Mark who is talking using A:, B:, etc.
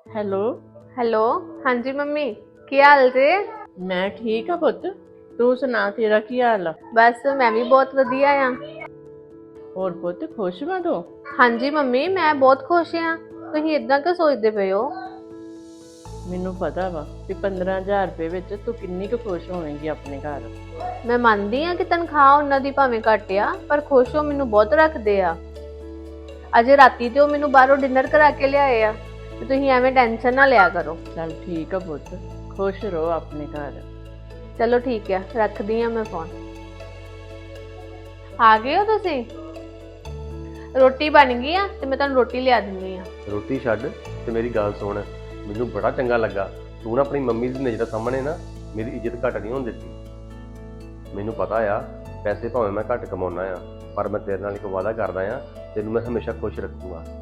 A: Hello.
B: Hello. ਹਾਂਜੀ mummy, ਕੀ ਹਾਲ ਜੇ?
A: ਮੈਂ ਠੀਕ ਆ ਪੁੱਤ, ਤੂੰ ਸੁਣਾ ਤੇਰਾ ਕੀ ਹਾਲ ਆ?
B: ਬਸ ਮੈਂ ਵੀ ਬਹੁਤ ਵਧੀਆ ਆ।
A: ਹੋਰ ਪੁੱਤ ਖੁਸ਼ ਵਾਂ ਤੂੰ?
B: ਹਾਂਜੀ ਮੰਮੀ, ਮੈਂ ਬਹੁਤ ਖੁਸ਼ ਆ। ਤੁਸੀਂ ਇਦਾਂ ਕਿਉਂ ਸੋਚਦੇ ਪਏ ਹੋ?
A: ਮੈਨੂੰ ਪਤਾ ਵਾ ਕਿ 15,000 ਰੁਪਏ ਵਿੱਚ ਤੂੰ ਕਿੰਨੀ ਕੁ ਖੁਸ਼ ਹੋਵੇਂਗੀ ਆਪਣੇ ਘਰ।
B: ਮੈਂ ਮੰਨਦੀ ਆ ਕਿ ਤਨਖਾਹ ਉਹਨਾਂ ਦੀ ਭਾਵੇਂ ਘੱਟ ਆ, ਪਰ ਖੁਸ਼ ਹੋ ਮੈਨੂੰ ਬਹੁਤ ਰੱਖਦੇ ਆ। ਅਜੇ ਰਾਤੀ ਤੇ ਉਹ ਮੈਨੂੰ ਬਾਹਰੋਂ ਡਿਨਰ ਕਰਾ ਕੇ ਲਿਆਏ ਆ, ਤੇ ਤੁਸੀਂ ਐਵੇਂ ਟੈਨਸ਼ਨ ਨਾ ਲਿਆ ਕਰੋ।
A: ਚੱਲ ਠੀਕ ਆ ਪੁੱਤ, ਖੁਸ਼ ਰਹੋ ਆਪਣੇ ਘਰ।
B: ਚਲੋ ਠੀਕ ਆ, ਰੱਖਦੀ ਆ ਮੈਂ ਫੋਨ। ਆ ਗਏ ਹੋ ਤੁਸੀਂ? ਰੋਟੀ ਬਣ ਗਈ ਆ ਤੇ ਮੈਂ ਤੁਹਾਨੂੰ ਰੋਟੀ ਲਿਆ ਦਿੰਦੀ ਆ।
C: ਰੋਟੀ ਛੱਡ ਤੇ ਮੇਰੀ ਗੱਲ ਸੁਣ, ਮੈਨੂੰ ਬੜਾ ਚੰਗਾ ਲੱਗਾ ਤੂੰ ਨਾ ਆਪਣੀ ਮੰਮੀ ਦੀ ਨਜ਼ਰ ਸਾਹਮਣੇ ਨਾ ਮੇਰੀ ਇੱਜ਼ਤ ਘੱਟ ਨਹੀਂ ਹੋਣ ਦਿੱਤੀ। ਮੈਨੂੰ ਪਤਾ ਆ ਪੈਸੇ ਭਾਵੇਂ ਮੈਂ ਘੱਟ ਕਮਾਉਣਾ ਆ, ਪਰ ਮੈਂ ਤੇਰੇ ਨਾਲ ਇੱਕ ਵਾਅਦਾ ਕਰਦਾ ਆ, ਤੈਨੂੰ ਮੈਂ ਹਮੇਸ਼ਾ ਖੁਸ਼ ਰੱਖੂਗਾ।